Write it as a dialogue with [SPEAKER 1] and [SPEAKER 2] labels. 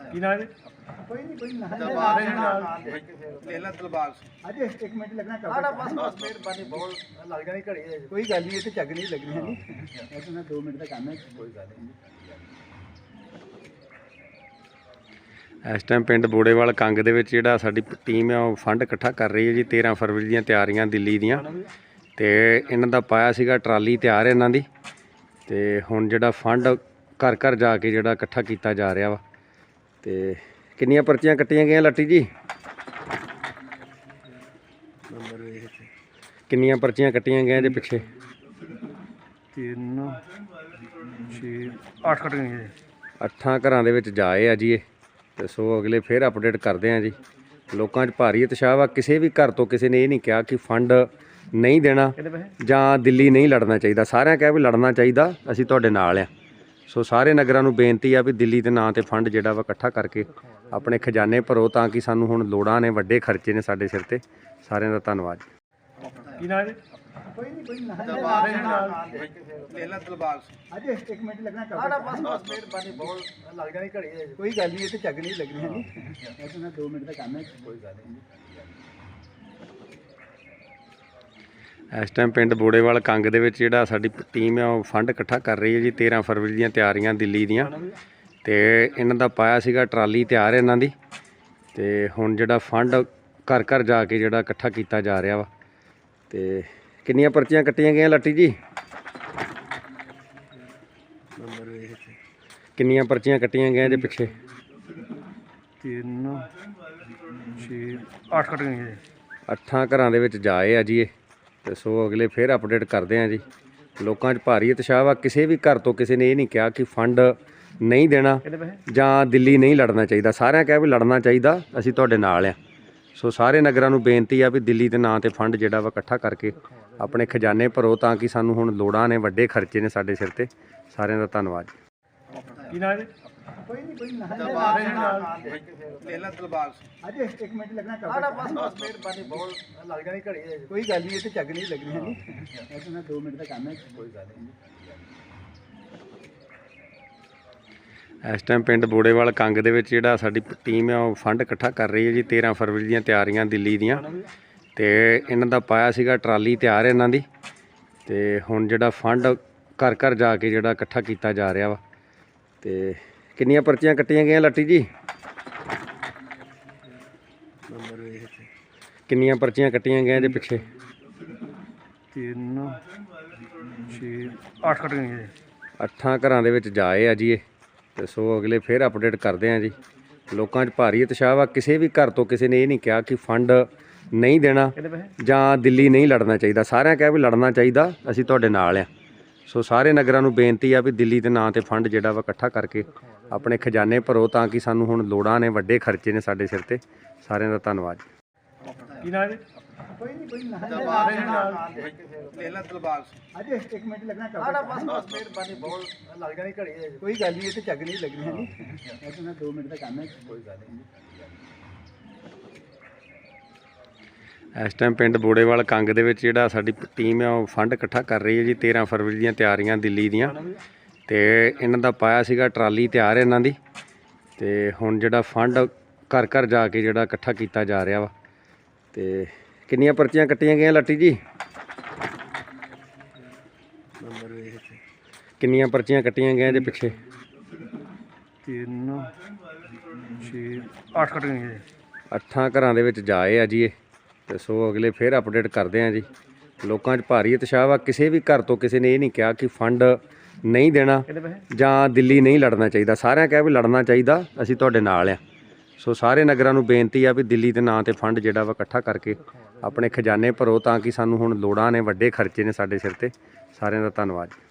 [SPEAKER 1] ਕੀ ਨਾਮ ਹੈ?
[SPEAKER 2] ਕੋਈ ਨਹੀਂ ਕੋਈ ਨਾ
[SPEAKER 1] ਦਰਬਾਰ
[SPEAKER 2] ਲੈ ਲੈ ਦਿਲਬਾਗ ਅਜੇ 1 ਮਿੰਟ ਲੱਗਣਾ ਕਰ ਬਸ ਮਿਹਰਬਾਨੀ ਬਹੁਤ ਲੱਗ ਜਾਣੀ ਘੜੀ ਕੋਈ ਗੱਲ ਨਹੀਂ ਇੱਥੇ ਝੱਗ ਨਹੀਂ ਲੱਗਣੀ ਹੈ ਜੀ ਇਹ ਤਾਂ 2 ਮਿੰਟ ਦਾ ਕੰਮ ਹੈ ਕੋਈ ਗੱਲ ਨਹੀਂ।
[SPEAKER 3] ਇਸ ਟਾਈਮ ਪਿੰਡ ਬੋੜੇਵਾਲ ਕੰਗ ਦੇ ਵਿੱਚ ਜਿਹੜਾ ਸਾਡੀ ਟੀਮ ਹੈ ਉਹ ਫੰਡ ਇਕੱਠਾ ਕਰ ਰਹੀ ਹੈ ਜੀ। 13 ਫਰਵਰੀ ਦੀਆਂ ਤਿਆਰੀਆਂ ਦਿੱਲੀ ਦੀਆਂ, ਤੇ ਇਹਨਾਂ ਦਾ ਪਾਇਆ ਸੀਗਾ ਟਰਾਲੀ ਤਿਆਰ ਇਹਨਾਂ ਦੀ, ਤੇ ਹੁਣ ਜਿਹੜਾ ਫੰਡ ਘਰ ਘਰ ਜਾ ਕੇ ਜਿਹੜਾ ਇਕੱਠਾ ਕੀਤਾ ਜਾ ਰਿਹਾ ਵਾ। ਤੇ ਕਿੰਨੀਆਂ ਪਰਚੀਆਂ ਕੱਟੀਆਂ ਗਈਆਂ ਲੱਟੀ ਜੀ? ਕਿੰਨੀਆਂ ਪਰਚੀਆਂ ਕੱਟੀਆਂ ਗਈਆਂ ਇਹਦੇ ਪਿੱਛੇ?
[SPEAKER 1] 3 6 8 ਕੱਟ ਗਏ ਜੀ।
[SPEAKER 3] 8 ਘਰਾਂ ਦੇ ਵਿੱਚ ਜਾਏ ਆ ਜੀ ਇਹ, ਤੇ ਸੋ ਅਗਲੇ ਫਿਰ ਅਪਡੇਟ ਕਰਦੇ ਆ ਜੀ। ਲੋਕਾਂ 'ਚ ਭਾਰੀ ਉਤਸ਼ਾਹ ਵਾ। ਕਿਸੇ ਵੀ ਘਰ ਤੋਂ ਕਿਸੇ ਨੇ ਇਹ ਨਹੀਂ ਕਿਹਾ ਕਿ ਫੰਡ ਨਹੀਂ ਦੇਣਾ ਜਾਂ ਦਿੱਲੀ ਨਹੀਂ ਲੜਨਾ ਚਾਹੀਦਾ। ਸਾਰਿਆਂ ਕਿਹਾ ਵੀ ਲੜਨਾ ਚਾਹੀਦਾ, ਅਸੀਂ ਤੁਹਾਡੇ ਨਾਲ ਆ। ਸੋ ਸਾਰੇ ਨਗਰਾਂ ਨੂੰ ਬੇਨਤੀ ਆ ਵੀ ਦਿੱਲੀ ਦੇ ਨਾਂ 'ਤੇ ਫੰਡ ਜਿਹੜਾ ਵਾ ਇਕੱਠਾ ਕਰਕੇ ਆਪਣੇ ਖਜ਼ਾਨੇ ਭਰੋ, ਤਾਂ ਕਿ ਸਾਨੂੰ ਹੁਣ ਲੋੜਾਂ ਨੇ, ਵੱਡੇ ਖਰਚੇ ਨੇ ਸਾਡੇ ਸਿਰ ਤੇ। ਸਾਰਿਆਂ ਦਾ ਧੰਨਵਾਦ।
[SPEAKER 1] ਕੀ ਨਾਮ ਹੈ?
[SPEAKER 2] ਕੋਈ ਨਹੀਂ ਕੋਈ ਨਾ
[SPEAKER 1] ਦਰਬਾਰ
[SPEAKER 2] ਲੈ ਲੈ ਦਿਲਬਾਗ ਅਜੇ 1 ਮਿੰਟ ਲੱਗਣਾ ਕਰ ਬਸ ਮਿਹਰਬਾਨੀ ਬਹੁਤ ਲੱਗ ਜਾਣੀ ਘੜੀ ਕੋਈ ਗੱਲ ਨਹੀਂ ਇੱਥੇ ਝੱਗ ਨਹੀਂ ਲੱਗਣੀ ਹੈ ਜੀ ਇਹ ਤਾਂ 2 ਮਿੰਟ ਦਾ ਕੰਮ ਹੈ ਕੋਈ ਗੱਲ ਨਹੀਂ।
[SPEAKER 3] ਇਸ ਟਾਈਮ ਪਿੰਡ ਬੋੜੇਵਾਲ ਕੰਗ ਦੇ ਵਿੱਚ ਜਿਹੜਾ ਸਾਡੀ ਟੀਮ ਹੈ ਉਹ ਫੰਡ ਇਕੱਠਾ ਕਰ ਰਹੀ ਹੈ ਜੀ। 13 ਫਰਵਰੀ ਦੀਆਂ ਤਿਆਰੀਆਂ ਦਿੱਲੀ ਦੀਆਂ, ਤੇ ਇਹਨਾਂ ਦਾ ਪਾਇਆ ਸੀਗਾ ਟਰਾਲੀ ਤਿਆਰ ਇਹਨਾਂ ਦੀ, ਤੇ ਹੁਣ ਜਿਹੜਾ ਫੰਡ ਘਰ ਘਰ ਜਾ ਕੇ ਜਿਹੜਾ ਇਕੱਠਾ ਕੀਤਾ ਜਾ ਰਿਹਾ ਵਾ। ਤੇ ਕਿੰਨੀਆਂ ਪਰਚੀਆਂ ਕੱਟੀਆਂ ਗਈਆਂ ਲੱਟੀ ਜੀ? ਕਿੰਨੀਆਂ ਪਰਚੀਆਂ ਕੱਟੀਆਂ ਗਈਆਂ ਇਹਦੇ ਪਿੱਛੇ?
[SPEAKER 1] 3 6 8 ਕੱਟ ਗਏ ਜੀ।
[SPEAKER 3] 8 ਘਰਾਂ ਦੇ ਵਿੱਚ ਜਾਏ ਆ ਜੀ ਇਹ, ਤੇ ਸੋ ਅਗਲੇ ਫਿਰ ਅਪਡੇਟ ਕਰਦੇ ਆ ਜੀ। ਲੋਕਾਂ 'ਚ ਭਾਰੀ ਉਤਸ਼ਾਹ ਵਾ। ਕਿਸੇ ਵੀ ਘਰ ਤੋਂ ਕਿਸੇ ਨੇ ਇਹ ਨਹੀਂ ਕਿਹਾ ਕਿ ਫੰਡ ਨਹੀਂ ਦੇਣਾ ਜਾਂ ਦਿੱਲੀ ਨਹੀਂ ਲੜਨਾ ਚਾਹੀਦਾ। ਸਾਰਿਆਂ ਕਿਹਾ ਵੀ ਲੜਨਾ ਚਾਹੀਦਾ, ਅਸੀਂ ਤੁਹਾਡੇ ਨਾਲ ਆ। ਸੋ ਸਾਰੇ ਨਗਰਾਂ ਨੂੰ ਬੇਨਤੀ ਆ ਵੀ ਦਿੱਲੀ ਦੇ ਨਾਂ 'ਤੇ ਫੰਡ ਜਿਹੜਾ ਵਾ ਇਕੱਠਾ ਕਰਕੇ ਆਪਣੇ ਖਜ਼ਾਨੇ ਭਰੋ, ਤਾਂ ਕਿ ਸਾਨੂੰ ਹੁਣ ਲੋੜਾਂ ਨੇ, ਵੱਡੇ ਖਰਚੇ ਨੇ ਸਾਡੇ ਸਿਰ ਤੇ। ਸਾਰਿਆਂ ਦਾ ਧੰਨਵਾਦ।
[SPEAKER 1] ਕੀ ਨਾਮ ਹੈ?
[SPEAKER 2] ਕੋਈ ਨਹੀਂ ਕੋਈ ਨਾ
[SPEAKER 1] ਦਰਬਾਰ
[SPEAKER 2] ਲੈ ਲੈ ਦਿਲਬਾਗ ਅਜੇ 1 ਮਿੰਟ ਲੱਗਣਾ ਕਰ ਬਸ ਮਿਹਰਬਾਨੀ ਬਹੁਤ ਲੱਗ ਜਾਣੀ ਘੜੀ ਕੋਈ ਗੱਲ ਨਹੀਂ ਇੱਥੇ ਝੱਗ ਨਹੀਂ ਲੱਗਣੀ ਹੈ ਜੀ ਇਹ ਤਾਂ 2 ਮਿੰਟ ਦਾ ਕੰਮ ਹੈ ਕੋਈ ਗੱਲ ਨਹੀਂ।
[SPEAKER 3] ਇਸ ਟਾਈਮ ਪਿੰਡ ਬੋੜੇਵਾਲ ਕੰਗ ਦੇ ਵਿੱਚ ਜਿਹੜਾ ਸਾਡੀ ਟੀਮ ਹੈ ਉਹ ਫੰਡ ਇਕੱਠਾ ਕਰ ਰਹੀ ਹੈ ਜੀ। 13 ਫਰਵਰੀ ਦੀਆਂ ਤਿਆਰੀਆਂ ਦਿੱਲੀ ਦੀਆਂ, ਤੇ ਇਹਨਾਂ ਦਾ ਪਾਇਆ ਸੀਗਾ ਟਰਾਲੀ ਤਿਆਰ ਇਹਨਾਂ ਦੀ, ਤੇ ਹੁਣ ਜਿਹੜਾ ਫੰਡ ਘਰ ਘਰ ਜਾ ਕੇ ਜਿਹੜਾ ਇਕੱਠਾ ਕੀਤਾ ਜਾ ਰਿਹਾ ਵਾ। ਤੇ ਕਿੰਨੀਆਂ ਪਰਚੀਆਂ ਕੱਟੀਆਂ ਗਈਆਂ ਲੱਟੀ ਜੀ? ਕਿੰਨੀਆਂ ਪਰਚੀਆਂ ਕੱਟੀਆਂ ਗਈਆਂ ਇਹਦੇ ਪਿੱਛੇ?
[SPEAKER 1] 3 6 8 ਕੱਟ ਗਏ ਜੀ।
[SPEAKER 3] 8 ਘਰਾਂ ਦੇ ਵਿੱਚ ਜਾਏ ਆ ਜੀ ਇਹ, ਤੇ ਸੋ ਅਗਲੇ ਫਿਰ ਅਪਡੇਟ ਕਰਦੇ ਆ ਜੀ। ਲੋਕਾਂ 'ਚ ਭਾਰੀ ਉਤਸ਼ਾਹ ਵਾ। ਕਿਸੇ ਵੀ ਘਰ ਤੋਂ ਕਿਸੇ ਨੇ ਇਹ ਨਹੀਂ ਕਿਹਾ ਕਿ ਫੰਡ ਨਹੀਂ ਦੇਣਾ ਜਾਂ ਦਿੱਲੀ ਨਹੀਂ ਲੜਨਾ ਚਾਹੀਦਾ। ਸਾਰਿਆਂ ਕਿਹਾ ਵੀ ਲੜਨਾ ਚਾਹੀਦਾ, ਅਸੀਂ ਤੁਹਾਡੇ ਨਾਲ ਆ। ਸੋ ਸਾਰੇ ਨਗਰਾਂ ਨੂੰ ਬੇਨਤੀ ਆ ਵੀ ਦਿੱਲੀ ਦੇ ਨਾਂ 'ਤੇ ਫੰਡ ਜਿਹੜਾ ਵਾ ਇਕੱਠਾ ਕਰਕੇ ਆਪਣੇ ਖਜ਼ਾਨੇ ਭਰੋ, ਤਾਂ ਕਿ ਸਾਨੂੰ ਹੁਣ ਲੋੜਾਂ ਨੇ, ਵੱਡੇ ਖਰਚੇ ਨੇ ਸਾਡੇ ਸਿਰ ਤੇ। ਸਾਰਿਆਂ ਦਾ ਧੰਨਵਾਦ।
[SPEAKER 1] ਕੀ ਨਾਮ ਹੈ?
[SPEAKER 2] ਕੋਈ ਨਹੀਂ ਕੋਈ ਨਾ
[SPEAKER 1] ਦਰਬਾਰ
[SPEAKER 2] ਲੈ ਲੈ ਦਿਲਬਾਗ ਅਜੇ 1 ਮਿੰਟ ਲੱਗਣਾ ਕਰ ਬਸ ਮਿਹਰਬਾਨੀ ਬਹੁਤ ਲੱਗ ਜਾਣੀ ਘੜੀ ਕੋਈ ਗੱਲ ਨਹੀਂ ਇੱਥੇ ਝੱਗ ਨਹੀਂ ਲੱਗਣੀ ਹੈ ਜੀ ਇਹ ਤਾਂ 2 ਮਿੰਟ ਦਾ ਕੰਮ ਹੈ ਕੋਈ ਗੱਲ ਨਹੀਂ।
[SPEAKER 3] ਇਸ ਟਾਈਮ ਪਿੰਡ ਬੋੜੇਵਾਲ ਕੰਗ ਦੇ ਵਿੱਚ ਜਿਹੜਾ ਸਾਡੀ ਟੀਮ ਹੈ ਉਹ ਫੰਡ ਇਕੱਠਾ ਕਰ ਰਹੀ ਹੈ ਜੀ। 13 ਫਰਵਰੀ ਦੀਆਂ ਤਿਆਰੀਆਂ ਦਿੱਲੀ ਦੀਆਂ, ਤੇ ਇਹਨਾਂ ਦਾ ਪਾਇਆ ਸੀਗਾ ਟਰਾਲੀ ਤਿਆਰ ਇਹਨਾਂ ਦੀ, ਤੇ ਹੁਣ ਜਿਹੜਾ ਫੰਡ ਘਰ ਘਰ ਜਾ ਕੇ ਜਿਹੜਾ ਇਕੱਠਾ ਕੀਤਾ ਜਾ ਰਿਹਾ ਵਾ। ਤੇ ਕਿੰਨੀਆਂ ਪਰਚੀਆਂ ਕੱਟੀਆਂ ਗਈਆਂ ਲੱਟੀ ਜੀ? ਕਿੰਨੀਆਂ ਪਰਚੀਆਂ ਕੱਟੀਆਂ ਗਈਆਂ ਇਹਦੇ ਪਿੱਛੇ?
[SPEAKER 1] 3 6 8 ਕੱਟ ਗਏ ਜੀ।
[SPEAKER 3] 8 ਘਰਾਂ ਦੇ ਵਿੱਚ ਜਾਏ ਆ ਜੀ ਇਹ, ਤੇ ਸੋ ਅਗਲੇ ਫਿਰ ਅਪਡੇਟ ਕਰਦੇ ਆ ਜੀ। ਲੋਕਾਂ 'ਚ ਭਾਰੀ ਉਤਸ਼ਾਹ ਵਾ। ਕਿਸੇ ਵੀ ਘਰ ਤੋਂ ਕਿਸੇ ਨੇ ਇਹ ਨਹੀਂ ਕਿਹਾ ਕਿ ਫੰਡ ਨਹੀਂ ਦੇਣਾ ਜਾਂ ਦਿੱਲੀ ਨਹੀਂ ਲੜਨਾ ਚਾਹੀਦਾ। ਸਾਰਿਆਂ ਕਿਹਾ ਵੀ ਲੜਨਾ ਚਾਹੀਦਾ, ਅਸੀਂ ਤੁਹਾਡੇ ਨਾਲ ਆ। ਸੋ ਸਾਰੇ ਨਗਰਾਂ ਨੂੰ ਬੇਨਤੀ ਆ ਵੀ ਦਿੱਲੀ ਦੇ ਨਾਂ 'ਤੇ ਫੰਡ ਜਿਹੜਾ ਵਾ ਇਕੱਠਾ ਕਰਕੇ ਆਪਣੇ ਖਜ਼ਾਨੇ ਭਰੋ, ਤਾਂ ਕਿ ਸਾਨੂੰ ਹੁਣ ਲੋੜਾਂ ਨੇ, ਵੱਡੇ ਖਰਚੇ ਨੇ ਸਾਡੇ ਸਿਰ ਤੇ। ਸਾਰਿਆਂ ਦਾ ਧੰਨਵਾਦ।